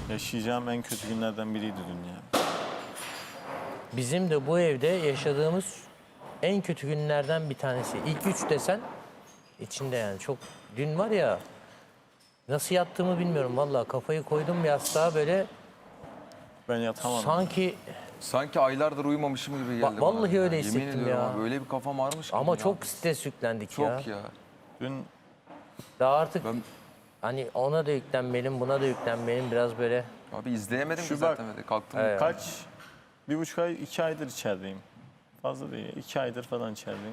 Yaşayacağım en kötü günlerden biriydi dün ya. Bizim de bu evde yaşadığımız en kötü günlerden bir tanesi. İlk 3 desen içinde yani çok. Dün var ya nasıl yattığımı bilmiyorum vallahi, kafayı koydum yastığa böyle Ben yatamadım. Sanki aylardır uyumamışım gibi geldi bana. Vallahi öyle Yemin hissettim ediyorum ya. abi, öyle bir kafam ağrımış ki. ama ya. çok stres yüklendik ya. Çok ya. Dün Daha artık Ben hani ona da yüklenmeliyim, buna da yüklenmeliyim biraz böyle. abi izleyemedim Şu ki bak, zaten. Kalktım. Evet. kaç, 1,5 ay, 2 aydır içerideyim. Fazla değil, 2 aydır falan içerideyim.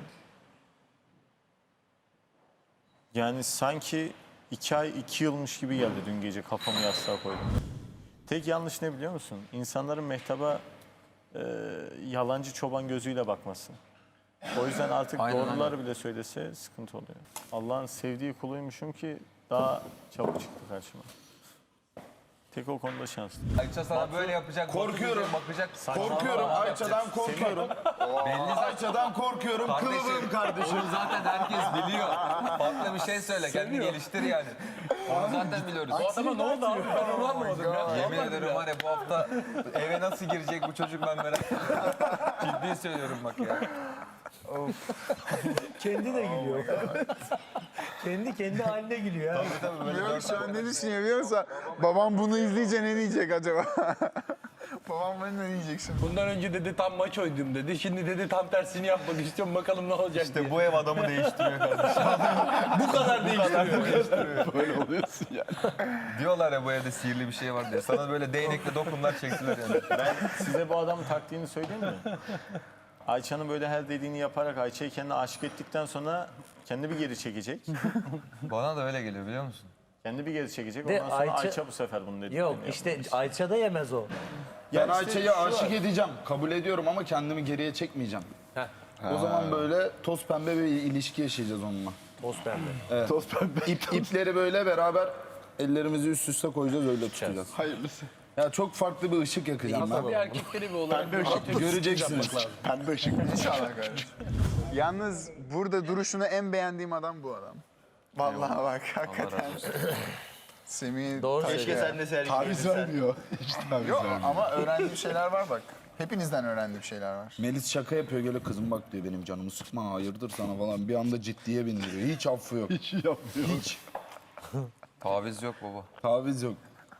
Yani sanki 2 ay, 2 yılmış gibi geldi dün gece kafamı yastığa koydum. Tek yanlış ne biliyor musun? İnsanların mehtaba yalancı çoban gözüyle bakması. O yüzden artık Aynen, doğruları bile söylese sıkıntı oluyor. Allah'ın sevdiği kuluymuşum ki daha çabuk çıktı karşıma. Tek o konuda şanslı. Ayça sana böyle yapacak. Korkuyorum. Bakacak. Korkuyorum. Ayça'dan korkuyorum. Belli zaten. Ayça'dan korkuyorum. Kılıbığım kardeşim. Onu zaten herkes biliyor. Farklı bir şey söyle. Kendini geliştir yani. Onu zaten biliyoruz. Bu adama ne oldu abi? Ben onu anlamadım ya. Yemin ederim var ya, bu hafta eve nasıl girecek bu çocuk ben merak ediyorum. Ciddi söylüyorum bak ya. Kendi de gülüyor. kendi haline gülüyor ya. Yok şu an ne düşünüyor biliyor musun? Babam bunu izleyince ne diyecek acaba? Babam bana ne diyecek şimdi? Bundan önce dedi tam maç oynadım dedi. Şimdi dedi tam tersini yapmak istiyorum. Bakalım ne olacak diye. Bu ev adamı değiştiriyor kardeşim. Bu kadar değiştiriyor. Böyle oluyorsun ya. Diyorlar ya bu evde sihirli bir şey var diye. Sana böyle değnekle dokunlar çektiler yani. Ben size bu adamın taktiğini söyleyeyim mi? Ayça'nın böyle her dediğini yaparak Ayça'yı kendine aşık ettikten sonra kendi bir geri çekecek. Bana da öyle geliyor biliyor musun? Kendi bir geri çekecek. De Ondan sonra Ayça- Ayça bu sefer bunu dedi. Yok işte Ayça da yemez o. Ben Ayça'yı aşık edeceğim. Kabul ediyorum ama kendimi geriye çekmeyeceğim. O zaman böyle toz pembe bir ilişki yaşayacağız onunla. Toz pembe. Evet. Toz pembe. İpleri böyle beraber ellerimizi üst üste koyacağız, öyle tutacağız. Hayırlısı. Ya çok farklı bir ışık yakacağım ben. Bir erkekleri bir olarak Göreceksiniz. Pembe ışık. İnşallah kardeşim. Yalnız burada duruşunu en beğendiğim adam bu adam. Vallahi bak hakikaten. Semih Doğru keşke söylüyor. sen de taviz vermiyor. Hiç taviz Yok ama öğrendiğim şeyler var bak. Hepinizden öğrendiğim şeyler var. Melis şaka yapıyor, geliyor kızım bak diyor benim canımı sıkma, hayırdır sana falan. Bir anda ciddiye bindiriyor. Hiç affı yok. Hiç yapmıyor. Hiç. Taviz yok baba. Taviz yok.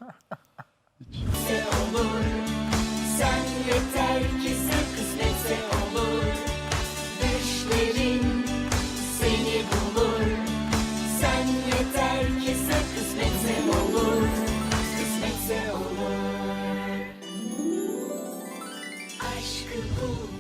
olur. Sen yeter ki sen kısmetse olur. Düşlerin seni bulur. Sen yeter ki sen kısmetse olur. Kısmetse olur. Aşkı bul.